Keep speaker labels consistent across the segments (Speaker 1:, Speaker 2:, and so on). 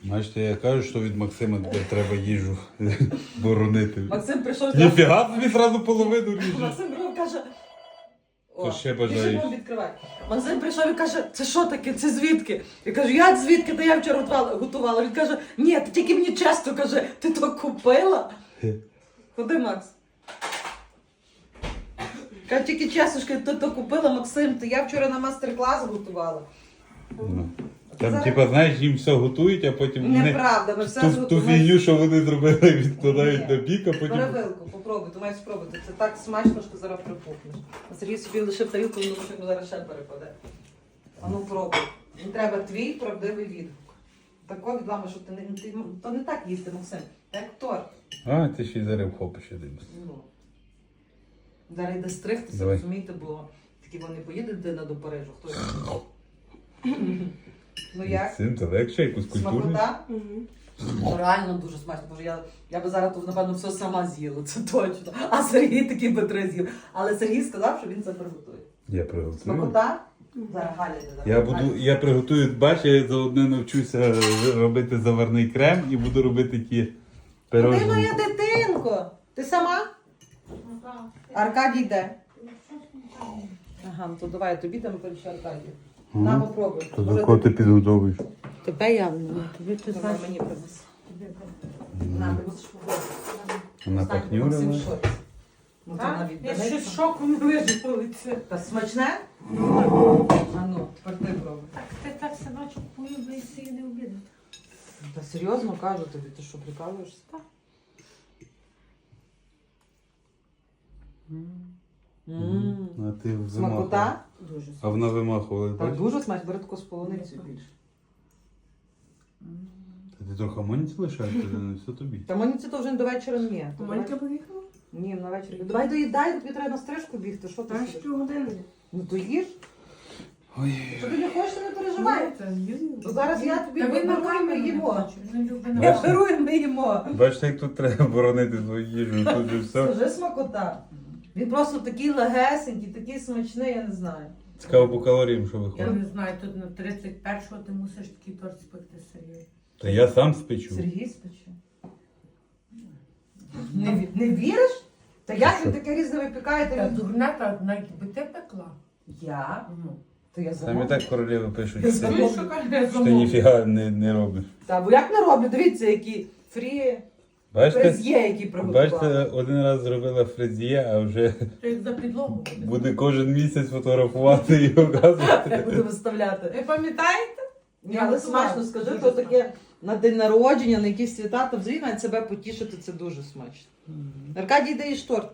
Speaker 1: Бачите, я кажу, що від Максима тепер треба їжу боронити.
Speaker 2: Максим прийшов.
Speaker 1: Ніфіга собі зразу половину ріже.
Speaker 2: Максим прийшов і каже.
Speaker 1: То ще
Speaker 2: ти
Speaker 1: бажаєш.
Speaker 2: ще відкривай. Максим прийшов і каже, це що таке, це звідки? Я кажу, як звідки? Та я вчора готувала. Він каже, ні, ти тільки мені чесно, каже, ти то купила? Ходи, Макс. Каже, тільки чесно, ти то купила, Максим, то я вчора на мастер-клас готувала.
Speaker 1: Ну. Там,
Speaker 2: Зараз-
Speaker 1: типа, знаєш, їм все готують, а потім вони
Speaker 2: Неправда, ми все
Speaker 1: ту
Speaker 2: зготували.
Speaker 1: фігню, що вони зробили, відкладають
Speaker 2: Ні.
Speaker 1: на бік, а потім...
Speaker 2: Перевилку, попробуй, ти маєш спробувати. Це так смачно, що зараз припухнеш. А Сергій собі лишив тарілку, він думає, що зараз ще перепаде. А ну пробуй. Їм треба твій правдивий відгук. Тако від вами, що то не так їсти, Максим. Як торт.
Speaker 1: А, ти ще й зараз вхопиш один.
Speaker 2: Ну. Зараз йде стригтися,
Speaker 1: Давай.
Speaker 2: розумієте, бо такі вони поїде дитина до Парижу. Хто його? Ну як?
Speaker 1: Цим це легше, якусь культурність.
Speaker 2: Смакота? Ну, реально дуже смачно, бо я би зараз тут, напевно, все сама з'їла, це точно. А Сергій такий би три з'їв. Але Сергій сказав, що він це приготує.
Speaker 1: Я приготую.
Speaker 2: Смакота? Зараз Галя йде.
Speaker 1: Я приготую, бач, я заодно навчуся робити заварний крем і буду робити ті
Speaker 2: Ти
Speaker 1: пирожні.
Speaker 2: моя дитинко! Ти сама? Аркадій йде. Ага, ну то давай, тобі там перше Аркадій. На, попробуй.
Speaker 1: То за кого ти підготовуєш?
Speaker 2: Тебе я тобі ти знаєш. Мені принеси. На, ти мусиш попробувати.
Speaker 1: Вона
Speaker 2: Максим
Speaker 1: пахнюрила.
Speaker 2: в шоці. Ну, то вона
Speaker 3: Я
Speaker 2: віддається.
Speaker 3: щось шоку не вижив це.
Speaker 2: Та смачне? А ну, тепер ти пробуй.
Speaker 3: Ти так собачок полюбився і не обідати.
Speaker 2: Та серйозно кажу тобі, ти що, прикалуєшся?
Speaker 3: Так.
Speaker 2: Ммм.
Speaker 1: А ти вимахувала.
Speaker 2: Смакота? Дуже
Speaker 1: А вона вимахувала,
Speaker 2: Так
Speaker 1: бачиш?
Speaker 2: дуже смачно, бери таку з полуницею більше.
Speaker 1: Та ти трохи моніці лишаєш, це не все тобі.
Speaker 2: Та мені це то вже до вечора ні.
Speaker 3: Монька поїхала?
Speaker 2: Ні, на вечір. Давай доїдай, тобі треба на стрижку бігти. Що ти
Speaker 3: Та
Speaker 2: сидиш?
Speaker 3: півгодини.
Speaker 2: Ну то їж.
Speaker 1: Ой.
Speaker 2: Що ти не хочеш, не переживай. Ну, зараз я тобі
Speaker 3: Та він
Speaker 2: беру,
Speaker 3: нормально
Speaker 2: ми їмо.
Speaker 3: Він любить
Speaker 2: Я
Speaker 3: на
Speaker 2: беру і ми їмо.
Speaker 1: Бачите, як тут треба боронити свою їжу, тут же все.
Speaker 2: Скажи смакота. Він просто такий легесенький, такий смачний, я не знаю.
Speaker 1: Цікаво по калоріям, що
Speaker 3: Я
Speaker 1: виходить.
Speaker 3: не знаю, тут на 31-го ти мусиш такий торт спекти Сергій.
Speaker 1: Та я сам спечу.
Speaker 2: Сергій спече. Не віриш? Та як ви таке різне
Speaker 3: Та
Speaker 2: випікаєте?
Speaker 3: дурна, та навіть би ти пекла.
Speaker 2: Я? То я
Speaker 1: Там і
Speaker 2: замовлю.
Speaker 1: так королеви пишуть,
Speaker 2: Я
Speaker 1: що
Speaker 2: замовлю.
Speaker 1: ти,
Speaker 3: Що каже,
Speaker 1: що ти
Speaker 3: замовлю.
Speaker 1: ніфіга не робиш.
Speaker 2: Та, бо як не роблю, дивіться, які фрі,
Speaker 1: Бачите,
Speaker 2: фрез'є, які приготували.
Speaker 1: бачите, один раз зробила фрезіє, а вже
Speaker 3: Ти як за підлогу буде.
Speaker 1: буде кожен місяць фотографувати і показувати.
Speaker 2: Я буду виставляти.
Speaker 3: Ви пам'ятаєте?
Speaker 2: Ні, але смачно скажи, то таке на день народження, на якісь свята, то взагалі навіть себе потішити, це дуже смачно. Аркадій, де їж торт?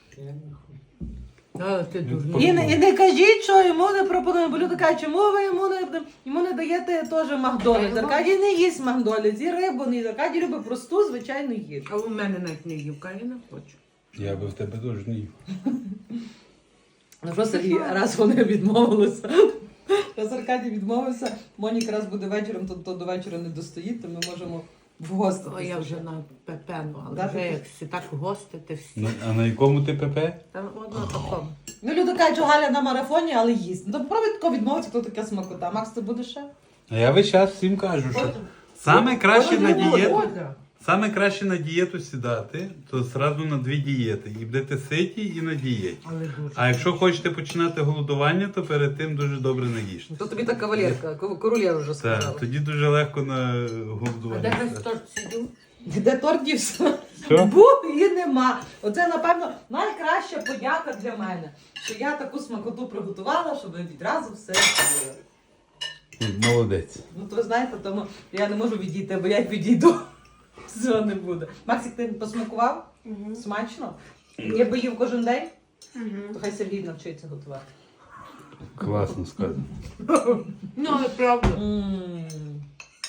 Speaker 3: Але ти дурна.
Speaker 2: І не кажіть, що йому не пропонуємо, бо люди кажуть, чому ви йому не даєте теж Макдональдс. Аркадій не їсть Макдональдс, і рибу не їсть. Аркадій любить просту, звичайну їжу.
Speaker 3: А у мене навіть не їв, каже, не хочу.
Speaker 1: Я би в тебе теж не їв.
Speaker 2: Ну що, Сергій, раз вони відмовилися. Раз Аркадій відмовився, Монік раз буде вечором, то до вечора не достоїть, то ми можемо в гості.
Speaker 3: О, я вже на пепену, але
Speaker 2: Да,
Speaker 3: вже
Speaker 2: ти-
Speaker 3: як всі так гостити всі.
Speaker 1: Ну, а на якому ти ПП?
Speaker 3: Там одно такому.
Speaker 2: Ну, люди кажуть, що Галя на марафоні, але їсть. Ну, то попробуй тако відмовитися, хто таке смакота. Макс, ти будеш ще?
Speaker 1: А я весь час всім кажу, що саме краще на дієту.
Speaker 3: Оля.
Speaker 1: Саме краще на дієту сідати, то зразу на 2 дієти. І будете ситі, і на дієті.
Speaker 3: Але дуже.
Speaker 1: А якщо хочете починати голодування, то перед тим дуже добре наїжте.
Speaker 2: То тобі та кавалерка, королєва вже
Speaker 1: Так, тоді дуже легко на
Speaker 3: А де
Speaker 1: голодування.
Speaker 3: хтось торт сидів?
Speaker 2: Де торт дівся?
Speaker 1: Що?
Speaker 2: Був і нема. Оце, напевно, найкраща подяка для мене, що я таку смакоту приготувала, щоб ви відразу все з'їли.
Speaker 1: Молодець.
Speaker 2: Ну, то ви знаєте, тому я не можу відійти, бо як відійду, все не буде. Максик, ти посмакував? Смачно? Якби їв кожен день, то хай Сергій навчиться готувати.
Speaker 1: Класно сказано.
Speaker 3: Ну, але правда.
Speaker 2: М.